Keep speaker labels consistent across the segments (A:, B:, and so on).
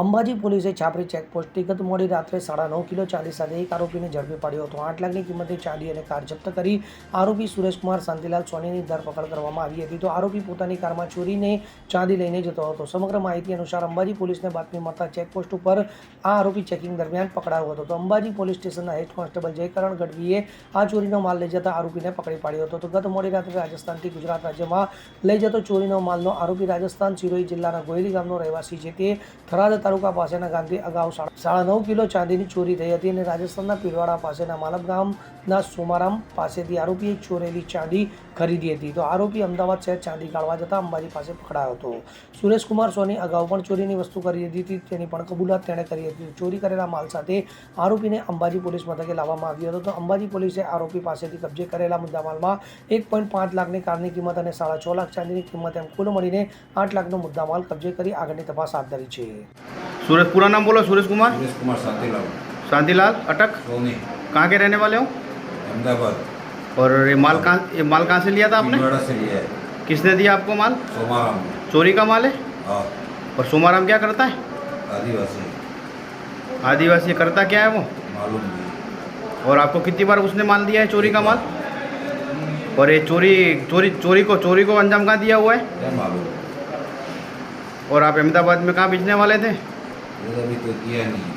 A: અંબાજી પોલીસે છાપરી ચેકપોસ્ટથી ગત મોડી રાત્રે 9.5 કિલો ચાંદી સાથે એક આરોપીને ઝડપી પાડ્યો હતો। 8 લાખની કિંમતે ચાંદી અને કાર જપ્ત કરી આરોપી સુરેશકુમાર શાંતિલાલ સોનીની ધરપકડ કરવામાં આવી હતી। તો આરોપી પોતાની કારમાં ચોરીને ચાંદી લઈને જતો હતો। સમગ્ર માહિતી અનુસાર અંબાજી પોલીસને બાતમી મળતા ચેકપોસ્ટ ઉપર આ આરોપી ચેકિંગ દરમિયાન પકડાયો હતો। તો અંબાજી પોલીસ સ્ટેશનના હેડ કોન્સ્ટેબલ જયકરણ ગઢવીએ આ ચોરીનો માલ લઈ જતા આરોપીને પકડી પાડ્યો હતો। તો ગત મોડી રાત્રે રાજસ્થાનથી ગુજરાત રાજ્યમાં લઈ જતો ચોરીનો માલનો આરોપી રાજસ્થાન સિરોહી જિલ્લાના ગોયલી ગામનો રહેવાસી છે। તે થરાદ તાલુકા પાસેના ગામથી અગાઉ 9.5 કિલો ચાંદીની ચોરી થઈ હતી અને રાજસ્થાનના પીરવાડા પાસેના માલબ ગામના સોમારામ પાસેથી આરોપીએ ચોરેલી ચાંદી ખરીદી હતી। તો આરોપી અમદાવાદ શહેર ચાંદી કાઢવા જતા અંબાજી પાસે પકડાયો હતો। સુરેશકુમાર સોની અગાઉ પણ ચોરીની વસ્તુ ખરીદી હતી, તેની પણ કબૂલાત તેણે કરી હતી। ચોરી કરેલા માલ સાથે આરોપીને અંબાજી પોલીસ મથકે લાવવામાં આવ્યો હતો। તો અંબાજી પોલીસે આરોપી પાસેથી કબજે કરેલા મુદ્દામાલમાં 1.5 લાખની કારની કિંમત અને 6.5 લાખ ચાંદીની કિંમત એમ કુલ મળીને 8 લાખનો મુદ્દામાલ કબજે કરી આગળની તપાસ હાથ धरी છે।
B: सूरज पूरा नाम बोलो। सूरज कुमार
C: शांतिलाल
B: शांतिलाल अटक
C: सोनी
B: कहाँ के रहने वाले हो?
C: अहमदाबाद।
B: और ये माल कहाँ से लिया था आपने?
C: नोएडा से लिया है।
B: किसने दिया आपको माल?
C: सोमाराम।
B: चोरी का माल है?
C: हाँ।
B: और सोमाराम क्या करता है?
C: आदिवासी।
B: आदिवासी करता क्या है वो?
C: मालूम नहीं।
B: और आपको कितनी बार उसने माल दिया है चोरी का माल? और ये चोरी को अंजाम कहाँ दिया हुआ है?
C: क्या मालूम।
B: और आप अहमदाबाद में कहाँ बेचने वाले थे?
C: ये अभी तो किया नहीं।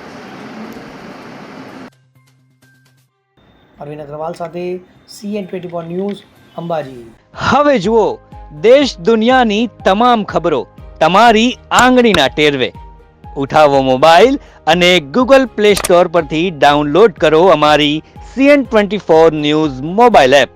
A: અરવિંદ અગ્રવાલ સાથે CN24 ન્યૂઝ અંબાજી।
D: હવે જુઓ દેશ દુનિયાની તમામ ખબરો તમારી આંગળીના ટેરવે। ઉઠાવો મોબાઈલ અને ગૂગલ પ્લે સ્ટોર પરથી ડાઉનલોડ કરો અમારી CN24 ન્યૂઝ મોબાઈલ એપ।